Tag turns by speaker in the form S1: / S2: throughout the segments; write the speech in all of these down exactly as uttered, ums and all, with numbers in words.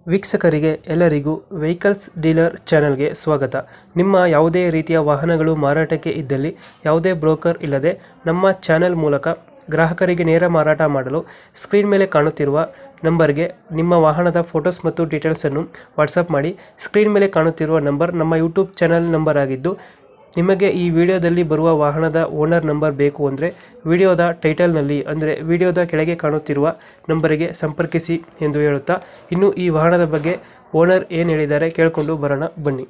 S1: ವೀಕ್ಷಕರಿಗೆ ಎಲ್ಲರಿಗೂ vehicles dealer ಚಾನೆಲ್ಗೆ ಸ್ವಾಗತ. ನಿಮ್ಮ ಯಾವುದೇ ರೀತಿಯ ವಾಹನಗಳು ಮಾರಾಟಕ್ಕೆ ಇದ್ದಲ್ಲಿ ಯಾವುದೇ ಬ್ರೋಕರ್ ಇಲ್ಲದೆ ನಮ್ಮ ಚಾನೆಲ್ ಮೂಲಕ ಗ್ರಾಹಕರಿಗೆ ನೇರ ಮಾರಾಟ ಮಾಡಲು ಸ್ಕ್ರೀನ್ ಮೇಲೆ ಕಾಣುತ್ತಿರುವ ನಂಬರ್ಗೆ ನಿಮ್ಮ ವಾಹನದ ಫೋಟೋಸ್ ಮತ್ತು ಡೀಟೇಲ್ಸನ್ನು ವಾಟ್ಸಪ್ ಮಾಡಿ. ಸ್ಕ್ರೀನ್ ಮೇಲೆ ಕಾಣುತ್ತಿರುವ ನಂಬರ್ ನಮ್ಮ ಯೂಟ್ಯೂಬ್ ಚಾನೆಲ್ ನಂಬರ್ ಆಗಿದ್ದು, ನಿಮಗೆ ಈ ವಿಡಿಯೋದಲ್ಲಿ ಬರುವ ವಾಹನದ ಓನರ್ ನಂಬರ್ ಬೇಕು ಅಂದರೆ ವಿಡಿಯೋದ ಟೈಟಲ್ನಲ್ಲಿ ಅಂದರೆ ವಿಡಿಯೋದ ಕೆಳಗೆ ಕಾಣುತ್ತಿರುವ ನಂಬರಿಗೆ ಸಂಪರ್ಕಿಸಿ ಎಂದು ಹೇಳುತ್ತಾ, ಇನ್ನು ಈ ವಾಹನದ ಬಗ್ಗೆ ಓನರ್ ಏನು ಹೇಳಿದ್ದಾರೆ ಕೇಳಿಕೊಂಡು ಬರೋಣ ಬನ್ನಿ.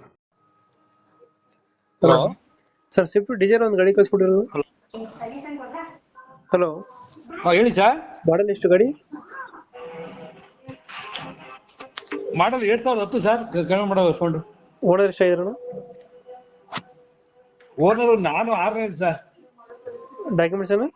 S2: ಹಲೋ
S1: ಸರ್, ಸ್ವಿಫ್ಟ್ ಡಿಸೈರ್ ಒಂದು ಗಾಡಿ ಕಳಿಸ್ಕೊಟ್ಟಿರೋದು. ಹಲೋ,
S2: ಹಾ ಹೇಳಿ ಸರ್.
S1: ಮಾಡಲ್ ಎಷ್ಟು ಗಾಡಿ?
S2: ಮಾಡಲ್ ಎರಡ್ ಸಾವಿರದ ಹತ್ತು ಸರ್. ಕಡಿಮೆ ಮಾಡೋ ಸೌಂಡ್.
S1: ಓನರ್ ಎಷ್ಟಾಗಿರೋಣ?
S2: ಓನರ್ ನಾನು ಆರನೇ ಸರ್.
S1: ಡಾಕ್ಯುಮೆಂಟ್ಸ್ ಏನು?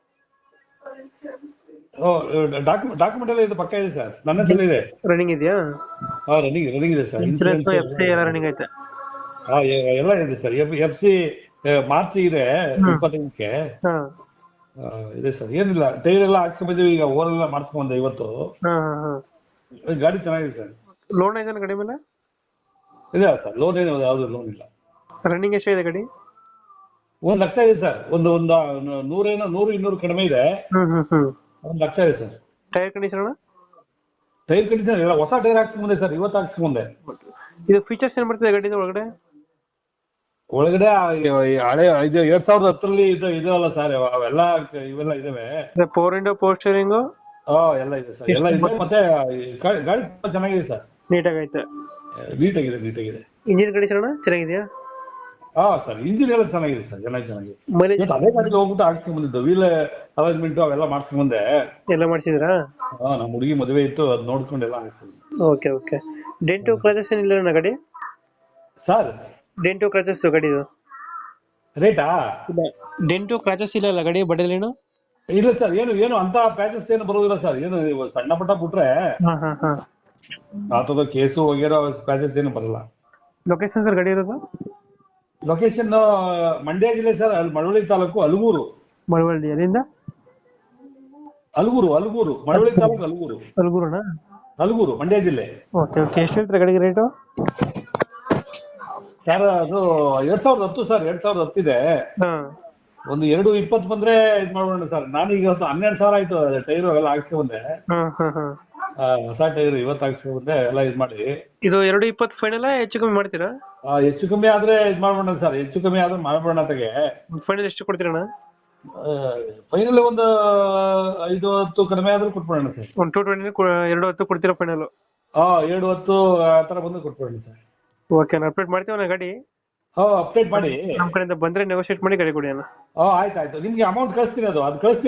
S2: ಡಾಕ್ಯುಮೆಂಟ್ ಎಲ್ಲ ಇದು ಪಕ್ಕ ಇದೆ ಸರ್. ನನ್ನ ಹೆಸರು ಇದೆ.
S1: ರನ್ನಿಂಗ್ ಇದೆಯಾ?
S2: ಹಾ ರನ್ನಿಂಗ್ ರನ್ನಿಂಗ್ ಇದೆ ಸರ್.
S1: ಇನ್ಸೂರೆನ್ಸ್ ಎಫ್ ಸಿ ಎಲ್ಲ ರನ್ನಿಂಗ್ ಐತೆ?
S2: ಹಾ ಎಲ್ಲ ಇದೆ ಸರ್. ಎಫ್ ಸಿ ಮಾರ್ಚ್ ಇದೆ ಇಪ್ಪತ್ತೈದಕ್ಕೆ
S1: ಹಾ
S2: ಇದೆ ಸರ್. ಏನಿಲ್ಲ, ಟೈರ್ ಎಲ್ಲ ಹಾಕ್ಸ್ಕೊಂಡ್ ಬಂದಿವಿ. ಈಗ ಓವರ್ ಎಲ್ಲ ಮಾಡಿಸ್ಕೊಂಡೆ ಇವತ್ತು.
S1: ಹಾ ಹಾ
S2: ಗಾಡಿ ಚೆನ್ನಾಗಿದೆ ಸರ್.
S1: ಲೋನ್ ಇದೆ ಗಾಡಿ ಮೇಲೆ?
S2: ಇದೆ ಸರ್. ಲೋನ್ ಏನು ಯಾವ್ದು ಲೋನ್ ಇಲ್ಲ.
S1: ರನ್ನಿಂಗ್ ಎಷ್ಟಿದೆ ಗಾಡಿ?
S2: ಒಂದ್ ಲಕ್ಷ ಇದೆ ಸರ್. ಒಂದು ಒಂದು ನೂರೇನೋ ನೂರು ಇನ್ನೂರು ಕಡಿಮೆ ಇದೆ.
S1: ಹ್ಮ್ ಹ್ಮ್ ಹ್ಮ್
S2: ಒಂದ್ ಲಕ್ಷ ಇದೆ sir.
S1: Tyre condition?
S2: Tyre condition ಎಲ್ಲ ಹೊಸ ಟೈರ್ ಹಾಕ್ಸ್ಕೊಂಡೆ ಸರ್. ಇವತ್ತು ಹಾಕ್ಸ್ಕೊಂಡೆ.
S1: ಇದು ಫೀಚರ್ಸ್ ಏನ್ ಬರ್ತದೆ ಗಾಡಿದ ಒಳಗಡೆ?
S2: ಒಳಗಡೆ ಹಳೆ ಇದು ಎರಡ್ ಸಾವಿರದ ಹತ್ತರಲ್ಲಿ ಇದು ಇದಲ್ಲ ಸರ್. ಅವೆಲ್ಲ ಇವೆಲ್ಲ ಇದಾವೆ.
S1: ಫೋರ್ ಇಂಡೋ ಪವರ್ ಸ್ಟೀರಿಂಗ್
S2: ಹಾ ಎಲ್ಲ ಇದೆ ಸರ್. ಎಲ್ಲ ಇದೆ. ಮತ್ತೆ ಗಾಡಿ ತುಂಬಾ ಚೆನ್ನಾಗಿದೆ ಸರ್.
S1: ನೀಟಾಗಿ ಐತೆ?
S2: ನೀಟಾಗಿದೆ ನೀಟಾಗಿದೆ.
S1: ಇಂಜಿನ್ ಕಂಡೀಷನ್ ಚೆನ್ನಾಗಿದೆಯಾ?
S2: ಹಾ ಸರ್, ಇಂಜಿನ್ ಎಲ್ಲ ಚೆನ್ನಾಗಿದೆ ಸರ್. ಚೆನ್ನಾಗಿ ಚೆನ್ನಾಗಿದೆ.
S1: ಮೈಲೇಜ್?
S2: ಅದೇ ಗಾಡಿಗೆ ಹೋಗ್ಬಿಟ್ಟು ಹಾಕ್ಸ್ಕೊಂಡ್ ಬಂದಿದ್ದು. ವೀಲ್ ಅರೇಂಜ್ಮೆಂಟ್ ಅವೆಲ್ಲ ಮಾಡ್ಸ್ಕೊಂಡ್ ಬಂದೆ.
S1: ಎಲ್ಲ ಮಾಡಿಸಿದ್ರಾ?
S2: ಹಾ, ನಮ್ಮ ಹುಡುಗಿ ಮದುವೆ ಇತ್ತು, ಅದ್ ನೋಡ್ಕೊಂಡು ಎಲ್ಲ ಹಾಕ್ಸ್ಕೊಂಡ್.
S1: Okay okay. ಡೆಂಟು ಕ್ರಾಚಸ್ ಏನಿಲ್ಲ ಗಾಡಿ?
S2: ಸರ್
S1: ಡೆಂಟು ಕ್ರಾಚಸ್ ಗಾಡಿದು
S2: ರೇಟಾ?
S1: ಡೆಂಟು ಕ್ರಾಚಸ್ ಇಲ್ಲ ಅಲ್ಲ ಗಾಡಿ ಬಡಲೇನು?
S2: ಇಲ್ಲ ಸರ್, ಏನು ಏನು ಅಂತ ಪ್ಯಾಚಸ್ ಏನು ಬರೋದಿಲ್ಲ ಸರ್. ಏನು ಸಣ್ಣ ಪುಟ್ಟ ಬಿಟ್ರೆ
S1: ಹಾ ಹಾ ಹಾ
S2: ಆತದ ಕೇಸು ಹೋಗಿರೋ ಪ್ಯಾಚಸ್ ಏನು ಬರಲ್ಲ.
S1: ಲೊಕೇಶನ್ ಸರ್ ಗಾಡಿ ಇರೋದು?
S2: ಲೊಕೇಶನ್ ಮಂಡ್ಯ ಜಿಲ್ಲೆ ಸರ್. ಅಲ್ಲಿ ಮಳವಳ್ಳಿ ತಾಲೂಕು ಅಲಗೂರು.
S1: ಮಳವಳ್ಳಿ ಅಲ್ಲಿಂದ?
S2: ಅಲಗೂರು ಅಲಗೂರು ಮಳವಳ್ಳಿ ತಾಲೂಕು ಅಲಗೂರು.
S1: ಅಲಗೂರಣ?
S2: ಅಲಗೂರು ಮಂಡ್ಯ ಜಿಲ್ಲೆ.
S1: Okay okay. ಎಷ್ಟು ಹೇಳ್ತಾರೆ ಗಾಡಿಗೆ ರೇಟು?
S2: ಸರ್ ಅದು ಎರಡ್ ಸಾವಿರದ ಹತ್ತು ಸರ್. ಎರಡ್ ಸಾವಿರದ ಹತ್ತಿದೆ.
S1: ಹಾ
S2: ಒಂದು ಎರಡು ಇಪ್ಪತ್ತು ಬಂದ್ರೆ ಇದ್ ಮಾಡೋಣ ಸರ್. ನಾನೀಗ ಹನ್ನೆರಡು ಸಾವಿರ ಆಯ್ತು ಟೈರ್ ಎಲ್ಲ ಹಾಕ್ಸ್ಕೊಂಡೆ.
S1: ಹಾ ಹಾ ಹಾ
S2: ಹೊಸ ಟೈರ್ ಇವತ್ತು ಹಾಕ್ಸ್ಕೊಂಡೆ ಎಲ್ಲ ಇದ್ ಮಾಡಿ.
S1: ಇದು ಎರಡು ಇಪ್ಪತ್ತು ಫೈನಲ್ ಹೆಚ್ಚು ಕಮ್ಮಿ ಮಾಡ್ತೀರಾ?
S2: ಹೆಚ್ಚು ಕಮ್ಮಿ ಆದ್ರೆ ಇದ್ ಮಾಡ್ಬೋಣ ಸರ್. ಹೆಚ್ಚು ಕಮ್ಮಿ ಆದ್ರೆ ಮಾಡ್ಬೋಣ ತೆಗೆ.
S1: ಫೈನಲ್ ಎಷ್ಟು ಕೊಡ್ತೀರಣ್ಣ?
S2: ಫೈನಲ್ ಒಂದು ಐದು ಹತ್ತು ಕಡಿಮೆ ಆದ್ರೂ ಕೊಟ್ಬಿಡೋಣ ಸರ್.
S1: ಒಂದು ಟೂ ಟ್ವೆಂಟಿ ಎರಡು ಹತ್ತು ಕೊಡ್ತೀರಾ ಫೈನಲ್?
S2: ಹಾ ಎರಡು ಹತ್ತು ಆ ತರ ಬಂದು ಕೊಟ್ಬಿಡೋಣ ಸರ್.
S1: ಓಕೆ, ನಾನು ಅಪ್ಡೇಟ್ ಮಾಡ್ತೀವಣ್ಣ ಗಾಡಿ.
S2: ಹಾ ಅಪ್ಡೇಟ್ ಮಾಡಿ.
S1: ನಮ್ಮ ಕಡೆಯಿಂದ ಬಂದ್ರೆ ನೆಗೋಶಿಯೇಟ್ ಮಾಡಿ ಗಾಡಿ ಕೊಡಿ ಅಣ್ಣ.
S2: ಹಾ ಆಯ್ತು ಆಯ್ತು. ನಿಮ್ಗೆ ಅಮೌಂಟ್ ಕಳಿಸ್ತೀನಿ. ಅದು ಅದು ಕಳಿಸ್ತೀನಿ.